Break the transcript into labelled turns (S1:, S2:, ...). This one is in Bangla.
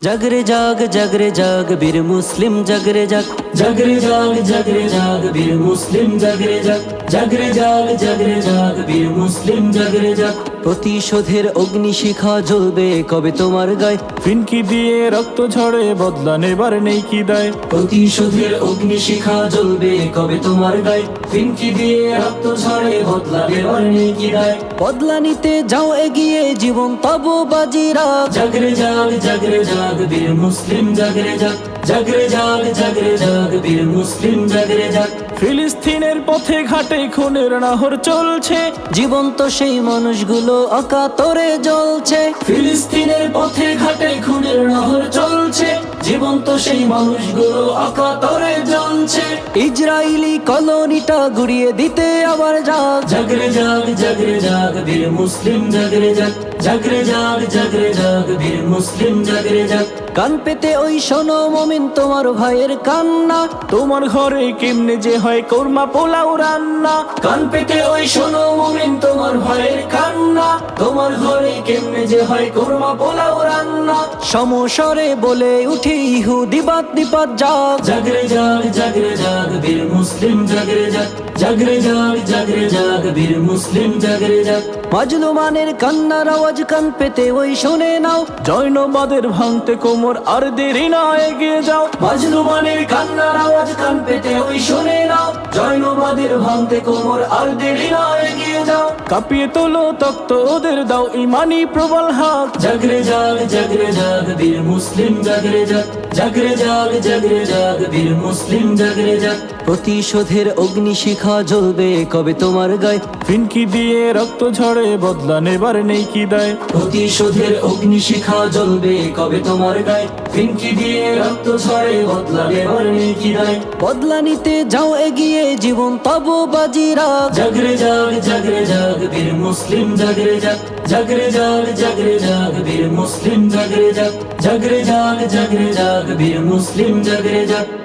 S1: জাগরে জাগরে জাগ বীর মুসলিম জাগরে জাগরে জাগ বীর মুসলিম জাগরে জাগরে জাগ বীর মুসলিম জাগরে জাগ প্রতিশোধের অগ্নিশিখা জ্বলবে কবে তোমার গায়ে
S2: ফিনকি দিয়ে রক্ত ঝরে বদলা নেবার নেই কি দায়
S1: প্রতিশোধের অগ্নিশিখা জ্বলবে কবে তোমার গায়ে ফিনকি দিয়ে রক্ত ঝরে বদলা নেবার নেই কি দায় বদলা নিতে যাও এগিয়ে জীবন তব বাজিরা জাগরে জাগ বীর মুসলিম জাগরে জাগরে জাগ বীর মুসলিম জাগরে জাগ
S2: ফিলিস্তিনের পথে ঘাটে খুনের নাহর চলছে
S1: জীবন্ত সেই মানুষগুলো অকাতরে জ্বলছে ফিলিস্তিনের পথে ঘাটে খুনের নহর চলছে জীবন্ত সেই মানুষগুলো অকাতরে জ্বলছে ইসরায়েলি কলোনিটা গুড়িয়ে দিতে আবার জাগরে জাগ বীর মুসলিম জাগরে জাগরে জাগ বীর মুসলিম জাগরে জাগ কান পেতে ওই শোনো মুমিন তোমার ভাইয়ের কান্না
S2: তোমার ঘরে কেমনে যে হয় কোরমা পোলাও রান্না
S1: কান পেতে ওই শোনো মুমিন তোমার ভাইয়ের কান্না তোমার ঘরে কেমনে যে হয় কোরমা পোলাও রান্না সমস্বরে বলে উঠে ইহুদি বাদ নিপাত জাগরে জাগ বীর মুসলিম জাগরে জাগরে জাগ বীর মুসলিম জাগরে জাগ মাজলুমানের কান্নার আওয়াজ কান পেতে ওই শুনে নাও
S2: জৈনবাদের ভাঙতে কোমর আর দেরি না এগিয়ে যাও
S1: মাজলুমানের কান্নার আওয়াজ কান পেতে ওই শুনে নাও জৈনবাদের ভাঙতে কোমর আর দেরি না এগিয়ে যাও
S2: কাঁপিয়ে তোলো তক্ত ওদের দাও ইমানি প্রবল হাত
S1: জাগরে জাগ বীর মুসলিম জাগরে জাগরে জাগ বীর মুসলিম জাগরে জাগ প্রতিশোধের অগ্নিশিখা জ্বলবে কবে তোমার গায়ে
S2: ফিনকি দিয়ে রক্ত ঝরে বদলা নেবার নেই কি দায়
S1: প্রতিশোধের অগ্নিশিখা জ্বলবে কবে তোমার গায়ে ফিনকি দিয়ে রক্ত ঝরে বদলা নেবার নেই কি দায় বদলা নিতে যাও এগিয়ে জীবন তব বাজিরা জাগরে জাগ বীর মুসলিম জাগরে জাগরে জাগ বীর মুসলিম জাগরে জাগরে জাগ বীর মুসলিম জাগরে জাগ